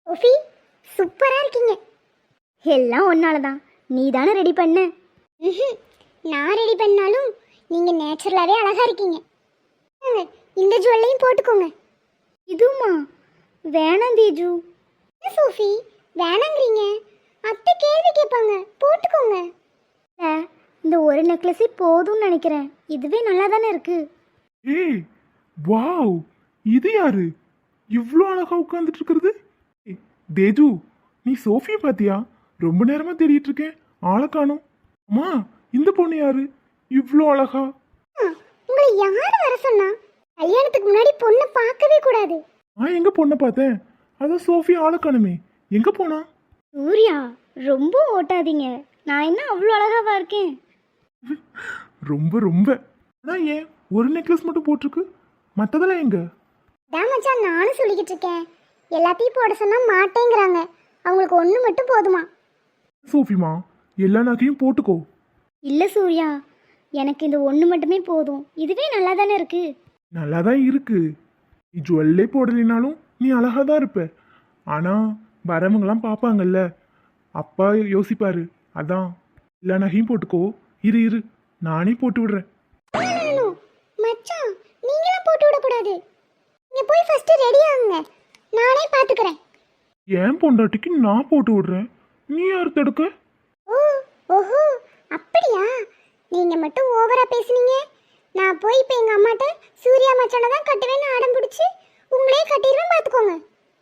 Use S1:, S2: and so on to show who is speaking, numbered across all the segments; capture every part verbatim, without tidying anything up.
S1: ஓஃபி சூப்பரா இருக்கீங்க. எல்லாம் ஒன்னால தான். நீ தானே ரெடி பண்ண. ம்ஹும். நான் ரெடி பண்ணாலும் நீங்க நேச்சுரலாவே அழகா இருக்கீங்க. இந்தாங்க, இந்த ஜுவல்லையும் போட்டுக்கோங்க. இதுமா வேணாம் தேஜு. என்ன சோஃபி வேணாங்கிறீங்க? அத்தை கேள்வி கேட்பாங்க. போட்டுக்கோங்க. இல்ல, இந்த ஒரு நெக்லஸே போதும்னு நினைக்கிறேன். இதுவே நல்லா தானே இருக்கு.
S2: ஏய் வாவ், இது யாரு இவ்ளோ அழகா உட்கார்ந்துட்டு இருக்கிறது? ஏய், தேஜு, நீ சோஃபியை பாத்தியா? ரொம்ப நேரமா தேடிட்டு இருக்கேன், ஆளை காணோம். அம்மா, இந்த பொண்ணு யாரு இவ்ளோ அழகா?
S1: ஆ, உங்களை யார் வர சொன்னா? கல்யாணத்துக்கு முன்னாடி பொண்ணை பார்க்கவே கூடாது.
S2: நான் எங்க பொண்ணை பார்த்தேன்? அதான் சோஃபி ஆளை காணுமே, எங்க போனா?
S1: சூர்யா ரொம்ப ஓட்டாதீங்க. நான் என்ன அவ்வளோ அழகாவா இருக்கேன்?
S2: ரொம்ப ரொம்ப. ஆனா ஏன் ஒரு நெக்லஸ் மட்டும் போட்டிருக்கு, மத்ததெல்லாம் எங்க?
S1: அதான் மச்சான் நானும் சொல்லிக்கிட்டு இருக்கேன். எல்லாத்தையும் போட சொன்னா மாட்டேங்கிறாங்க. அவங்களுக்கு ஒன்று மட்டும் போதுமா?
S2: சோஃபிமா, எல்லா நகையும் போட்டுக்கோ.
S1: இல்லை சூர்யா, எனக்கு இந்த ஒன்று மட்டுமே போதும். இதுவே நல்லா தானே இருக்கு.
S2: நல்லா தான் இருக்கு. நீ ஜுவல்லே போடலினாலும் நீ அழகா தான் இருப்ப. ஆனா வரவங்களாம் பார்ப்பாங்கல்ல, அப்பா யோசிப்பாரு. அதான் எல்லா நகையும் போட்டுக்கோ. இரு இரு, நானே போட்டு விடுறேன்.
S1: மச்சான் நீங்களாம் போட்டு விடக்கூடாது. நீங்க போய் ஃபர்ஸ்ட் ரெடி ஆகுங்க, நானே பாத்துக்கிறேன்.
S2: ஏன் பொண்டாட்டிக்கு நான் போட்டு விடுறேன், நீ யார் தடுக்க?
S1: ஓ ஓஹோ அப்படியா? நீங்க மட்டும் ஓவரா பேசுனீங்க. நான் போய் இப்போ எங்க அம்மாட்ட சூர்யா மச்சானை தான் கட்டுவேன்னு ஆடம் பிடிச்சி உங்களே கட்டிடுவேன், பாத்துக்கோங்க.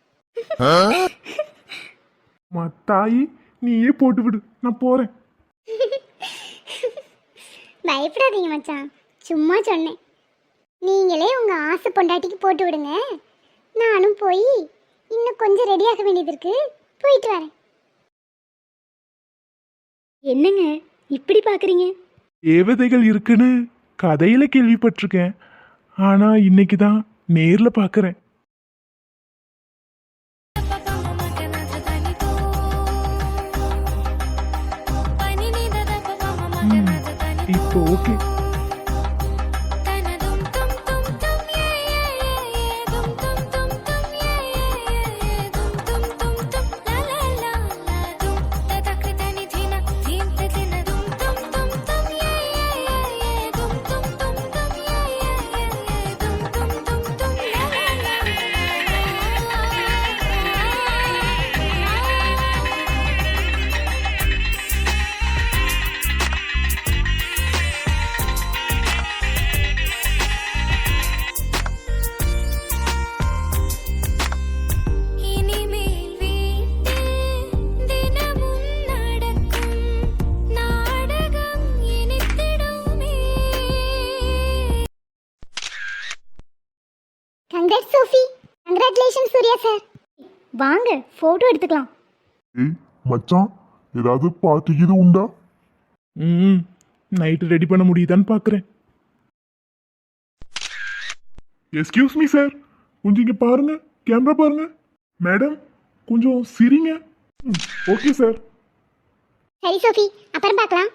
S2: மத்தாயி, நீயே போட்டு விடு, நான் போறேன்.
S1: பயப்படாதீங்க மச்சான், சும்மா சொன்னேன். நீங்களே உங்க ஆசை பொண்டாட்டிக்கு போட்டு விடுங்க. நானும் போய் இன்னும் கொஞ்சம் ரெடியாக வேண்டியது இருக்கு, போயிட்டு வரேன். என்னங்க இப்படி பாக்குறீங்க?
S2: தேவதைகள் இருக்குன்னு கதையில கேள்விப்பட்டிருக்கேன், ஆனா இன்னைக்கு தான் நேர்ல பாக்குறேன். இப்போ okay.
S1: Congrats Sophie. Congratulation Surya sir. வாங்க போட்டோ எடுத்துக்கலாம்.
S3: ஏய் மச்சான், ஏதாவது பார்ட்டி இது உண்டா?
S2: ம் நைட்டு ரெடி பண்ண முடியுதான்னு பார்க்குறேன். எஸ்கியூஸ் மீ சார், கொஞ்சம் இங்கே பாருங்க, கேமரா பாருங்க. மேடம் கொஞ்சம் சிரிங்க. ம் ஓகே சார்.
S1: சரி சோஃபி, அப்புறம் பார்க்கலாம்.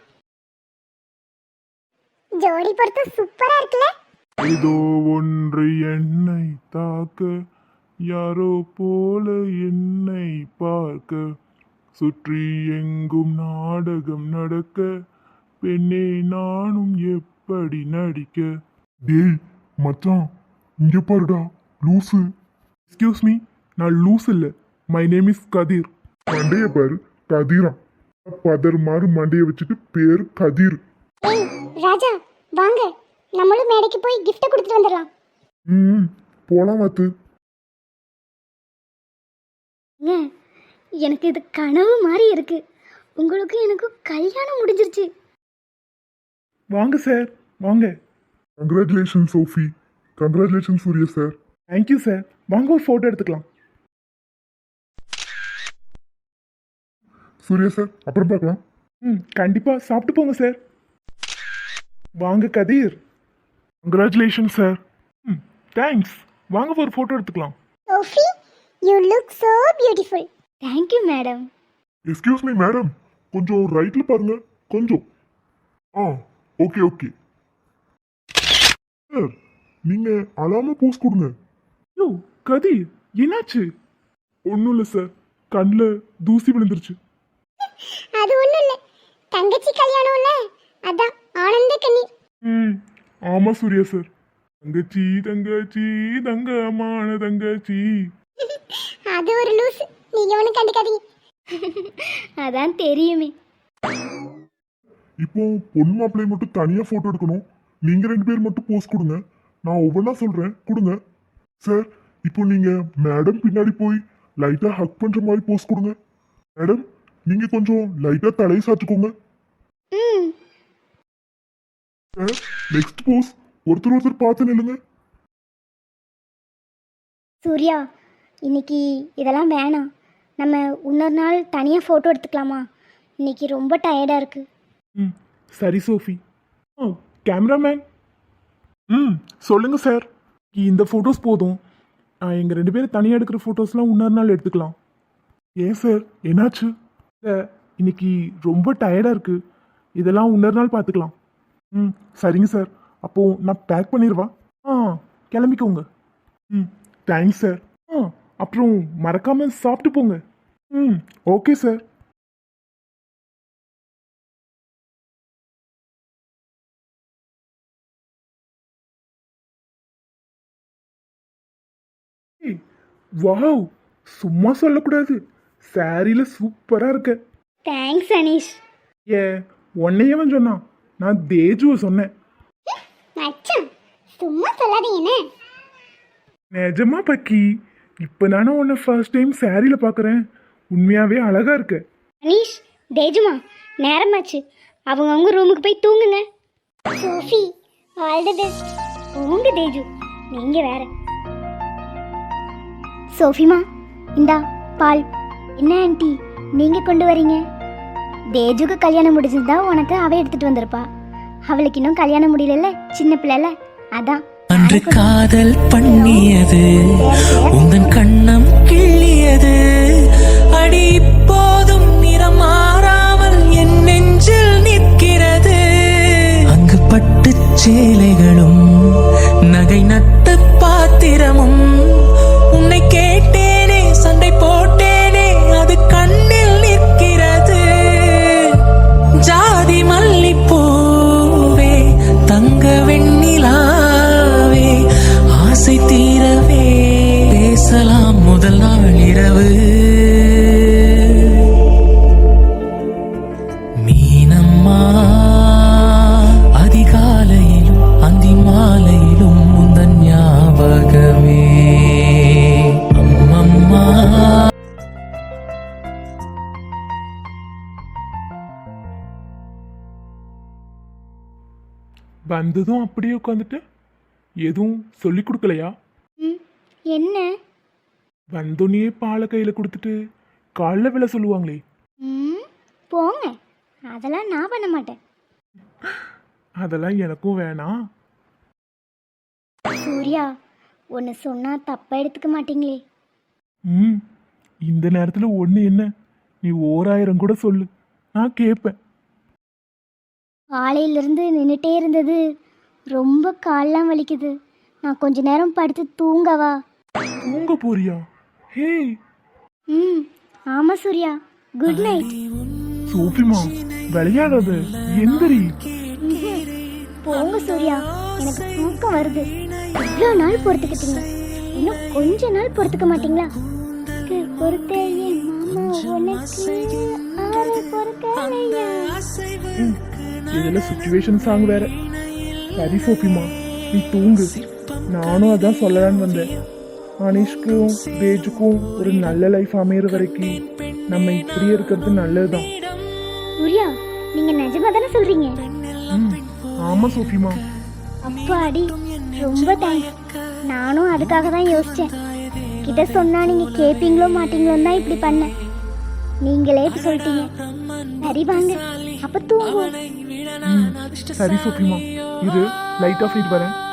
S1: ஜோடி பொறுத்து சூப்பரா இருக்குல்ல?
S2: ஏதோ ஒன்று என்னை தாக்க, யாரோ போல என்னை பார்க்க, சுற்றி எங்கும் நாடகம் நடக்க, பெண்ணே நானும் எப்படி நடிக்க.
S3: டேய் மச்சான், இங்க பாருடா லூசு.
S2: எக்ஸ்கியூஸ் மீ, நான் லூஸ் இல்லை, மை நேம் இஸ் கதிர்.
S3: மண்டைய பாரு, கதிரா. பதர் மாதிரி மண்டைய வச்சுட்டு பேரு கதிர்.
S1: ஏய் ராஜா, வாங்க நம்மளும் மேடைக்கு போய் gift கொடுத்துட்டு வந்துடலாம்.
S3: ம் போலாம் மாத்து.
S1: ஏன் எனக்கு இது கனவு மாதிரி இருக்கு. உங்களுக்கு எனக்கு கல்யாணம் முடிஞ்சிருச்சு.
S2: வாங்க சார், வாங்க.
S3: Congratulation Sophie. Congratulation Surya sir.
S2: Thank you sir. வாங்க ஒரு ஃபோட்டோ எடுத்துக்கலாம்.
S3: சூர்யா சார், அப்புறம் பார்க்கலாம்.
S2: ம் கண்டிப்பாக சாப்பிட்டு போங்க சார். வாங்க Kathir. Congratulation sir. Hmm thanks. வாங்க ஒரு ஃபோட்டோ எடுத்துக்கலாம்.
S1: Sophie, you look so beautiful. Thank you madam.
S3: Excuse me madam, கொஞ்சம் ரைட்ல பாருங்க, கொஞ்சம். ஆ ஓகே ஓகே சார், நீங்க அழாம போஸ் கொடுங்க.
S2: யோ கதிர், என்னாச்சு?
S3: ஒன்றும் இல்லை சார்,
S2: கண்ணில் தூசி விழுந்துருச்சு.
S1: அது ஒண்ணும் இல்ல, தங்கச்சி கல்யாணம்ல, அதான் ஆனந்த கண்ணீர்.
S2: ம் ஆமாம் சூர்யா சார். தங்கச்சி தங்கச்சி தங்கமான தங்கச்சி.
S1: அது ஒரு லூஸ், நீங்க ஒன்றும் கண்டுக்காதீங்க. அதான் தெரியுமே.
S3: இப்போ பொண்ணு மாப்பிள்ளையை மட்டும் தனியா போட்டோ எடுக்கணும். நீங்க ரெண்டு பேர் மட்டும் போஸ்ட் கொடுங்க. நான் ஒவ்வொன்றா சொல்றேன், கொடுங்க. சார், இப்போ நீங்க மேடம் பின்னாடி போய் லைட்டா ஹக் பண்ற மாதிரி போஸ்ட் கொடுங்க. மேடம், நீங்க கொஞ்சம் லைட்டா தலையை சாச்சுக்கோங்க.
S1: ம்
S3: சார், நெக்ஸ்ட் போஸ் ஒருத்தர் ஒருத்தர் பார்த்து நில்லுங்க.
S1: சூர்யா, இன்னைக்கு இதெல்லாம் வேணாம். நம்ம இன்னொரு நாள் தனியாக ஃபோட்டோ எடுத்துக்கலாமா? இன்னைக்கு ரொம்ப டயர்டாக இருக்கு.
S2: ம் சரி சோஃபி. ஆ கேமராமேன். ம் சொல்லுங்க சார். இந்த ஃபோட்டோஸ் போதும். எங்கள் ரெண்டு பேரும் தனியாக எடுக்கிற ஃபோட்டோஸ்லாம் இன்னொரு நாள் எடுத்துக்கலாம். ஏன் சார், என்னாச்சு? இல்லை, இன்னைக்கு ரொம்ப டயர்டாக இருக்கு. இதெல்லாம் இன்னொரு நாள் பார்த்துக்கலாம். ம் சரிங்க சார். அப்போது நான் பேக் பண்ணிடுவா. ஆ கிளம்பிக்கோங்க. ம் தேங்க்ஸ் சார். ஆ அப்புறம் மறக்காம சாப்பிட்டு போங்க. ம் ஓகே சார். வாவ், சும்மா சொல்லக்கூடாது. சாரியில் சூப்பராக இருக்க.
S1: தேங்க்ஸ் அனீஷ்.
S2: ஏ உன்னையவன் சொன்னான், நான் தேஜுவை சொன்னேன்.
S1: மச்சான், சும்மா சொல்லாதீங்கண்ணே.
S2: நிஜமா பக்கி, இப்போ நானே உன்னை ஃபர்ஸ்ட் டைம் சாரியில் பார்க்குறேன். உண்மையாகவே அழகாக இருக்க.
S1: அனீஷ், தேஜுமா, நேரமாச்சு. அவங்கவுங்க ரூமுக்கு போய் தூங்குங்க. Sophie, all the best. உங்க தேஜு, நீங்க வேற. சோஃபிமா, இந்தா பால். என்ன ஆண்டி நீங்க கொண்டு வரீங்க? தேஜுக்கு கல்யாணம் முடிஞ்சதுதா உனக்கு அவ எடுத்துட்டு வந்திருப்பா. அவளுக்கு இன்னும் கல்யாணம் முடியல, சின்ன பிள்ளைல, அதான்.
S4: அன்று காதல் பண்ணியது உந்தன் கண்ணம் கிள்ளியது. அடி இப்போதும் நிறம் மாறாமல் என் நெஞ்சில் நிற்கிறது. அங்கு பட்டு சேலைகளும் நகை நட்டு பாத்திரமும். உன்னை கேட்டேனே, சண்டை போட்டேனே, அது கண்ணில் நிற்கிறது. ஜாதி மல்லிப்பூவே, தங்க வெண்ணிலாவே, ஆசை தீரவே பேசலாம் முதல் நாள் இரவு. மீனம்மா, அதிகாலையிலும் அந்தி மாலையிலும் முந்தன் ஞாபகமே. அம்மம்மா.
S2: வந்ததும் அப்படியே உட்காந்துட்டு எதுவும் சொல்லி கொடுக்கலையா?
S1: ம், என்ன?
S2: வந்தோடனே பாலை கையில் கொடுத்துட்டு காலைல விழ சொல்லுவாங்களே.
S1: ம், போங்க, அதெல்லாம் நான் பண்ண மாட்டேன்.
S2: அதெல்லாம் எனக்கும் வேணாம்.
S1: சூர்யா, ஒன்று சொன்னா தப்பா எடுத்துக்க மாட்டீங்களே?
S2: ம் இந்த நேரத்தில் ஒன்று என்ன, நீ ஓராயிரம் கூட சொல்லு, நான் கேட்பேன்.
S1: காலையிலிருந்து நின்றுட்டே இருந்தது, ரொம்ப கால்லாம் வலிக்குது. நான் கொஞ்ச நேரம் படுத்து தூங்கவா?
S2: தூங்க போறியா? ஹே
S1: ம் ஆமாம் சூர்யா, குட் நைட்.
S2: சோஃபிமா, விளையாடாத, எந்திரி.
S1: போங்க சூர்யா, எனக்கு தூக்கம் வருது. இவ்வளோ நாள் பொறுத்துக்கிட்டீங்க, இன்னும் கொஞ்ச நாள் பொறுத்துக்க மாட்டீங்களா? பொறுத்தையே மாமா, உனக்கு ஆறு பொறுக்கலையா?
S2: ம், இதுல சுச்சுவேஷன் சாங் வேற. சரி சோஃபிமா, நீ தூங்கு. நானும் அதான் சொல்லலான்னு வந்தேன். அனீஷ்க்கும் தேஜுக்கும் ஒரு நல்ல லைஃப் அமையிற வரைக்கும் நம்ம இப்படியே இருக்கிறது நல்லதுதான்.
S1: சூர்யா, நீங்க நிஜமா தானே சொல்றீங்க?
S2: ம் ஆமா சோஃபிமா.
S1: அப்பாடி, ரொம்ப தேங்க்ஸ். நானும் அதுக்காக தான் யோசிச்சேன். கிட்ட சொன்னா நீங்க கேப்பீங்களோ மாட்டீங்களோன்னு தான் இப்படி பண்ணேன். நீங்களே இப்படி சொல்லிட்டீங்க. சரி வாங்க, அப்ப தூங்குவோம்.
S2: ம் சரி சோஃபிமா, இது லைட் ஆஃப் வரேன்.